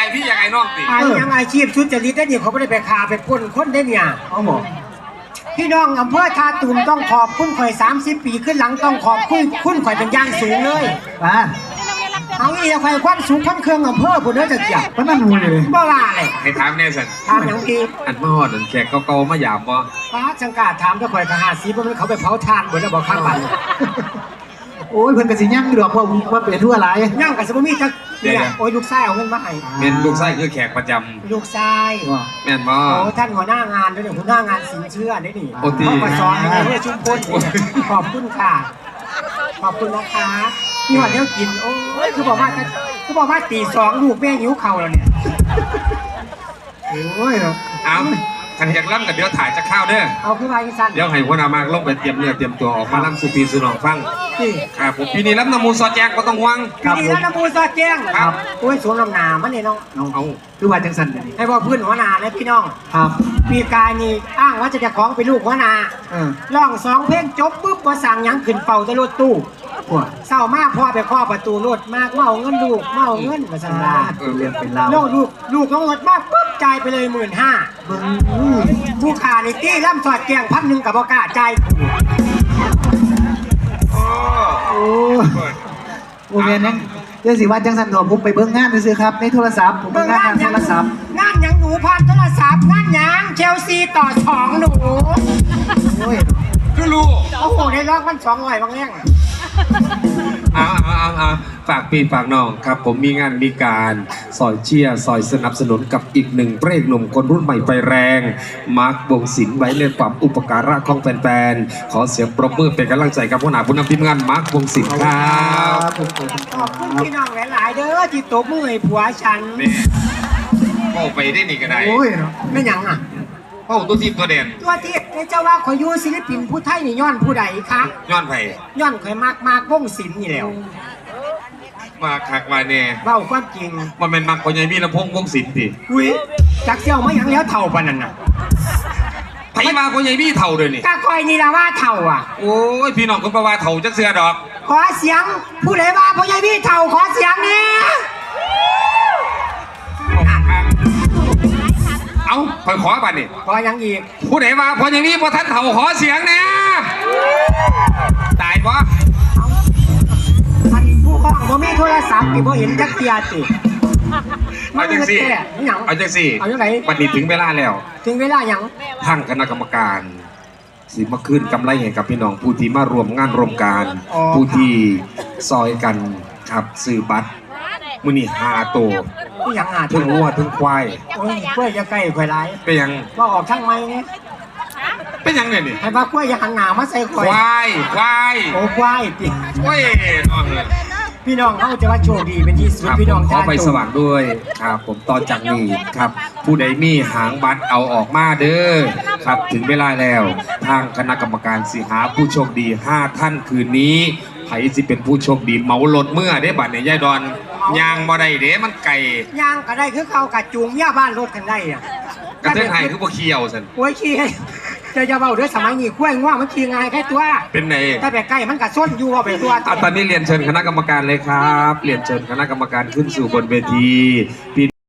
พี่ยังไงน้องติยังอาชีพชุดจริตได้เนี่ยเขาไม่ได้ไปคาไปปล้นคนได้เนี่ยเขาบอกพี่น้องอำเภอท่าตูมต้องขอบคุณข่อย30 ปีขึ้นหลังต้องขอบคุณข่อยเป็นย่างสูงเลยเอาอีกข่อยควันสูงควันเครื่องอำเภอผู้เด้อจะเกี่ยวมันนั่นมูเลยบ่ว่าเลยให้ถามแน่สันถามอย่างดีอันมาฮอดอันแขกเก่าๆมาหยาบบ่ป้าจังกาถามถ้าข่อยทหารสีบ่มันเขาไปเผาทานบ่แล้วบ่ข้างบ้านโอ้ยเพิ่นก็สิยั่งอยู่ดอกเพราะว่าเป็นทั่วหลายย่างก็สิบ่มีจักเนี่ยโอ้ยลูกชายเอาเงินมาให้เป็นลูกชายคือแขกประจำลูกชายแม่นบ่โอ้ท่านหัวหน้างานด้วยหัวหน้างานสินเชื่อได้นี่โอ้ตีมาสอนให้เพื่อชุมพลขอบคุณค่ะขอบคุณนะคะนี่วันเดียวกินโอ้ยคือบอกว่าตี2ลูกแม่หิวเข่าแล้วเนี่ยโอ้ยเอาขันอยากล่ำกับเดี๋ยวถ่ายจะข้าวเด้อเอาขึ้นมาอีกสั้นเดี๋ยวให้หัวหน้ามากลงไปเตรียมเนื้อเตรียมตัวออกมาล่ำสุปีสุนองฟังครับผมปีนี้ล่ำน้ำมูซอแจงก็ต้องห่วงปีนี้ล่ำน้ำมูซอแจงครับโอ้ยสวมลำนามันเนี่ยน้องเอาคือว่าจังสันให้บอกเพื่อนหัวหน้าเลยพี่น้องครับปีกายนี่อ้างว่าจะของเป็นลูกหัวหน้าร้อง2 เพลงจบปุ๊บก็สั่งยังขึ้นเป่าจะรถตู้เศร้ามากพ่อไปข้อประตูรถมากเมาเงินลูกเมาเงินมาสั่งลาเรียนเป็นเราลูกน้องรถมากปุ๊บจ่ายไปเลย15,000ผู้ขาในตี้ล่ำสอดแกง1,000กับบอกกาจ่ายโอ้เมียนั่งเดี๋ยวสิว่าจังสันหนอผมไปเบิ้งงานซื้อครับในโทรศัพท์ผมเบิ้งงานโทรศัพท์งานยังหนูผ่านโทรศัพท์งานยังเชลซีต่อ2หนูโอ้ยคือลูกโอ้โหในรอบมัน200บางแง่งเอาฝากพี่ฝากน้องครับผมมีงานมีการซอยเชียร์ซอยสนับสนุนกับอีกหนึ่งพระเอกหนุ่มคนรุ่นใหม่ไฟแรงมาร์ควงศิลป์ไว้ในความอุปการะของแฟนๆขอเสียงปรบมือเป็นกำลังใจกับผู้หนาผู้นำทีมงานมาร์ควงศิลป์ครับขอบคุณพี่น้องหลายๆเด้อที่ตบมือให้ผัวฉันโอ้ไปได้นี่ก็ได้โอ้ยไม่ยังอ่ะโอ้ตัวทีมตัวเด่นตัวทีมในเจ้าว่าขอยยูศิลปินผู้ไทยนี่ย้อนผู้ใดคะย้อนไผ่ย้อนข่อยมากวงศิลป์นี่แล้วมาคักมาแน่เบ้าความจริงมันเป็นมักคนใหญ่มีลำพงวงศิลป์ดิอุ้ยจักเสี่ยวไม่ยังแล้วเท่าปานนั้นน่ะไผมาคนใหญ่มีเท่าเลยนี่ก็คอยนี่ละว่าเท่าอ่ะโอ้ยพี่น้องคนประว่าเท่าจักเสือดอกขอเสียงผู้ใดว่าพ่อใหญ่พี่เท่าขอเสียงนี่เอาขอบัตรนี่ขอยังอีกผู้ใดมาพออย่างนี้พอท่านเถ่าขอเสียงเนี่ยตายปะท่านผู้ห้องบ่มีโทรศัพท์ที่บ่เห็นจักเทียติเอาจังสิเอาจังสิเอาจังไหนบัดนี้ถึงเวลาแล้วถึงเวลาหยังทางคณะกรรมการสิมาขึ้นกำไรให้กับพี่น้องผู้ที่มารวมงานรวมการผู้ที่ซอยกันครับซื้อบัตรมื้อนี้5 ตัวยังถึงวัวถึงควายโอ้ยกล้วยจะใกล้ควายไรเป็นยังว่าออกช่างไม้เนี่ยเป็นยังเนี่ยนี่ให้ว่ากล้วยอย่าหันหน้ามาใส่ควายโอ้ควายปีโอ้ยนอนเลยพี่น้องเขาจะว่าโชคดีเป็นที่สุดพี่น้องขอไปสว่างด้วยครับผมตอนจากนี้ครับผู้ใดมีหางบัตรเอาออกมาเด้อครับถึงเวลาแล้วทางคณะกรรมการสิหาผู้โชคดี5 ท่านคืนนี้ไผสิเป็นผู้โชคดีเหมารถเมื่อได้บัตรในยายดอนยางบ่ได้เด้มันไก่ยางก็ได้คือเขากัดจูงย่าบ้านรถกันได้อ่ะกระเทยไทยคือบ่เคี่ยวสันโอ้ยขี้จะเบาด้วยสมัยนี้กล้วยง่วงมันขี้ง่ายแค่ตัวเป็นไงถ้าแบบใกล้มันกัดส้นอยู่ว่าไปตัวตอนนี้เรียนเชิญคณะกรรมการเลยครับเรียนเชิญคณะกรรมการขึ้นสู่บนเวที